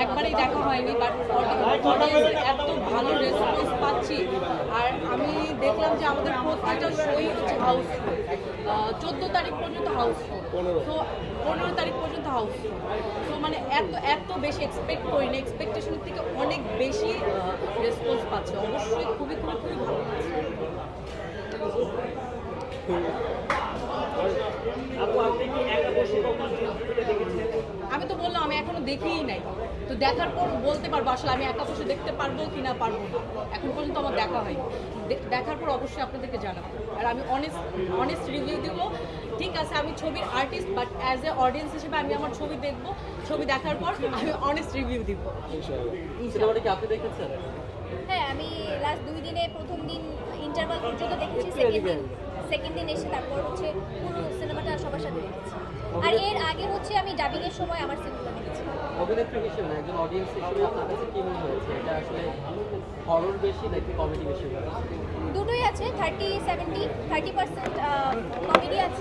একবারই দেখা হয়নি, বাট অডিয়েন্স এত ভালো রেসপন্স পাচ্ছি। আর আমি দেখলাম যে আমাদের প্রত্যেকটা শোই হচ্ছে হাউসফুল। 14 তারিখ পর্যন্ত হাউসফুল, তো 15 তারিখ পর্যন্ত হাউসফুল। তো মানে এত বেশি এক্সপেক্ট করিনি, এক্সপেকটেশনের থেকে অনেক বেশি রেসপন্স পাচ্ছে। অবশ্যই খুবই খুবই খুবই ভালো লাগছে। আমি তো বললাম আমি এখনো দেখিই নাই, তো দেখার পর বলতে পারবো আসলে আমি একা বসে দেখতে পারবো কি না পারবো না। এখন পর্যন্ত আমার দেখা হয়নি, দেখার পর অবশ্যই আপনাদেরকে জানাবো। আর আমি অনেস্ট রিভিউ দিব। ঠিক আছে, আমি ছবির artist, but as a audience হিসেবে আমি আমার ছবি দেখবো, ছবি দেখার পর আমি অনেস্ট রিভিউ দিব। সিনেমাটা কি আপনি দেখেছেন? হ্যাঁ, আমি লাস্ট 2 দিনে প্রথম দিন ইন্টারভাল পর্যন্ত দেখেছি, সেকেন্ড দিন এসে তারপর হচ্ছে পুরো সিনেমাটা সবার সাথে দেখেছি। আর এর আগে হচ্ছে আমি ডাবিংয়ের সময় আমার সিনেমা দেখেছি। অভিনেত্রী হিসেবে না, একজন অডিয়েন্স হিসেবে আপনার কাছে কি মনে হয়েছে? এটা আসলে হরর বেশি নাকি কমেডি বেশি? দুটোই আছে, 30% কমেডি আছে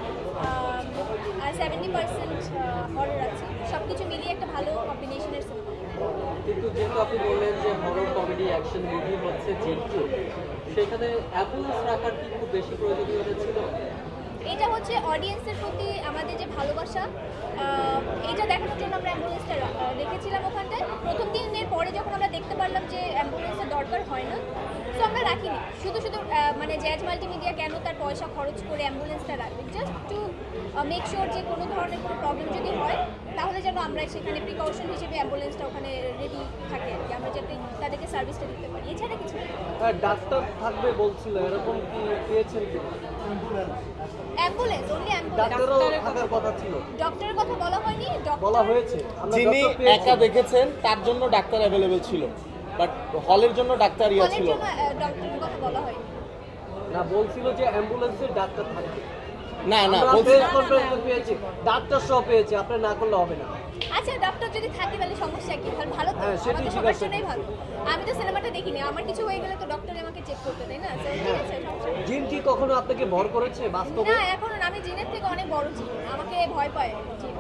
আর 70% হরর আছে। সব কিছু মিলিয়ে একটা ভালো কম্বিনেশনের সিনেমা। কিন্তু যেহেতু আপনি বললেন যে হরর কমেডি অ্যাকশন মুভি হচ্ছে যেহেতু, সেখানে অ্যাম্বুলেন্স রাখার কি খুব বেশি প্রয়োজনীয়তা ছিল? এটা হচ্ছে অডিয়েন্সের প্রতি আমাদের যে ভালোবাসা, এইটা দেখানোর জন্য আমরা অ্যাম্বুলেন্সটা রেখেছিলাম ওখানটায়। প্রথম দিনের পরে যখন আমরা দেখতে পারলাম যে অ্যাম্বুলেন্সের দরকার হয় না, তো আমরা রাখিনি। শুধু মানে জ্যাজ মাল্টিমিডিয়া কেন তার পয়সা খরচ করে অ্যাম্বুলেন্সটা রাখবে? জাস্ট টু মেক শিওর যে কোনো ধরনের কোনো প্রবলেম যদি হয় তাহলে যেন আমরা সেখানে প্রিকশন হিসেবে অ্যাম্বুলেন্সটা ওখানে রেডি থাকে আর কি, আমরা যাতে তাদেরকে সার্ভিসটা দিতে পারি। এছাড়া কিছু না। ডাক্তার থাকবে বলছিল, এরকম কি পেয়েছেন কি? অ্যাম্বুলেন্স, অনলি ডাক্তারও থাকার কথা ছিল, ডক্টরের কথা বলা হয়নি। বলা হয়েছে। যিনি একা দেখেছেন তার জন্য ডাক্তার অ্যাভেলেবেল ছিল, বাট হলের জন্য ডাক্তার ইয়া ছিল ডক্টরের কথা বলা হয়নি। না, বলছিল যে অ্যাম্বুলেন্সে ডাক্তার থাকবে। না আমরা বলছি প্রেস কনফারেন্সে পেয়েছি, ডাক্তার সহ পেয়েছি, আপনি না করলে হবে না। আচ্ছা, ডক্টর যদি থাকে তাহলে সমস্যা কি? ভালো তো, হ্যাঁ, সেটাই আমাদের ঠিক সবার আছে। জন্যই ভালো। আমি তো সিনেমাটা দেখিনি, আমার কিছু হয়ে গেলে তো ডক্টর আমাকে চেক করতে দেয় না। So, ঠিক আছে, সমস্যা নেই। জিন কি কখনো আপনাকে ভর করেছে বাস্তবে? না, এখন আমি জিনের থেকে অনেক বড় জিন, আমাকে ভয় পায় জিন।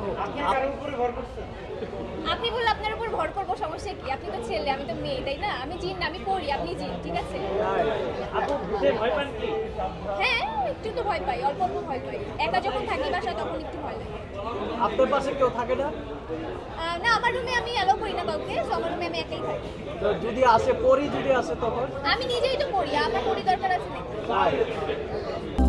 আপনি বললে আপনার উপর ভর করবো, সমস্যা কি? আপনি তো ছেলে, আমি তো মেয়ে, তাই না? আমি জিন, আমি পড়ি, আপনি জিন, ঠিক আছে? হ্যাঁ, একটু তো ভয় পাই, অল্প অল্প ভয় পাই। একা যখন থাকি বাসায় তখন একটু ভয় লাগে। আপনার পাশে কেউ থাকে না? না, আমার রুমে আমি অ্যালাউ করি না কাউকে, so আমার রুমে আমি একাই থাকি। তো যদি আসে, পরি যদি আসে তখন? আমি নিজেই তো পড়ি, আমার পড়ি দরকার আছে নাকি? তাই